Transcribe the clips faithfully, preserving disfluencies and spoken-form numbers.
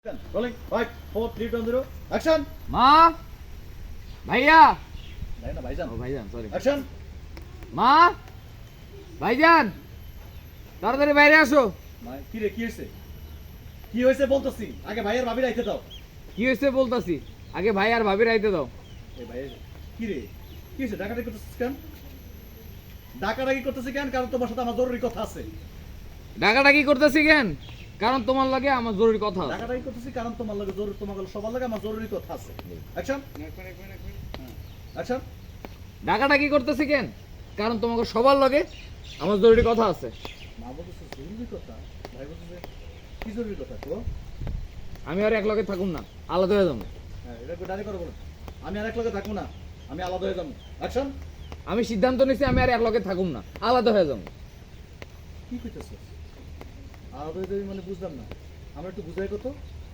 Rolling, five, four, three, two, zero, action! মা ভাইয়া ভাই না ভাইজান ও ভাইজান সরি অ্যাকশন মা ভাইজান তাড়াতাড়ি বাইরে আসো। কি রে কি হয়েছে কি হয়েছে বলতেছি আগে ভাইয়ের ভাবি রাইতে দাও কি হয়েছে বলতাছি, আগে ভাই আর ভাবির আইতে দাও। এই ভাই কি রে কি হয়েছে ডাকাডাকি করতেছিস কেন ডাকাডাকি করতেছিস কেন কারণ তোমার সাথে আমার জরুরি কথা আছে ডাকাডাকি করতেছি কেন? কারণ তোমার লাগে আমার জরুরি কথা আছে। ডাকাডাকি করতেছি কারণ তোমার লাগে জরুরি তোমার সবার লাগে আমার জরুরি কথা আছে অ্যাকশন অ্যাকশন ডাকাডাকি করতেছি কেন? কারণ তোমাকে সবার লাগে আমার জরুরি কথা আছে। মা বলতেছে জরুরি কথা ভাই বলতেছে কি জরুরি কথা তো আমি আর এক লগে থাকুম না, আলাদা হয়ে যাবো। হ্যাঁ এটা একটু ডাইরেক্ট করে বলো আমি আর এক লগে থাকবো না আমি আলাদা হয়ে যাবো অ্যাকশন আমি সিদ্ধান্ত নিছি আমি আর এক লগে থাকুম না, আলাদা হয়ে যাবো। কি কইতেছিস আলাদা হয়ে যাবি মানে বুঝলাম না আমরা একটু বুঝাই কত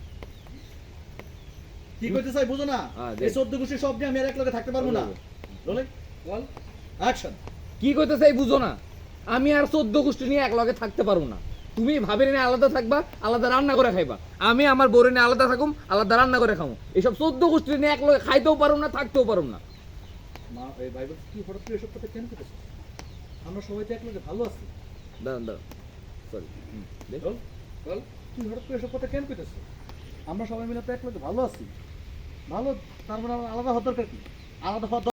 কি কইতে চাই বুঝো না হ্যাঁ, এই চোদ্দ গোষ্ঠী সব নিয়ে আমি আর এক লগে থাকতে পারবো না বলে বল অ্যাকশন কি কইতে চাই বুঝো না, আমি আর চোদ্দ গোষ্ঠী নিয়ে এক লগে থাকতে পারবো না। তুমি ভাবির নিয়ে আলাদা থাকবা, আলাদা রান্না করে খাইবা। আমি আমার বউরে নিয়ে আলাদা থাকুম, আলাদা রান্না করে খাবো। এইসব চোদ্দ গোষ্ঠী নিয়ে এক লগে খাইতেও পারুম না, থাকতেও পারুম না। মা এই বাইবেল কি হঠাৎ করে এসব কথা কেন কইতেছিস আমরা সবাই তো এক লগে ভালো আছি দাঁড়ান দাঁড়ান সরি বল বল তুই হঠাৎ করে এসব কথা কেন কইতেছিস আমরা সবাই মিলে তো এক লগে ভালো আছি ভালো তার মানে আমার আলাদা হওয়ার দরকার কি আলাদা হওয়ার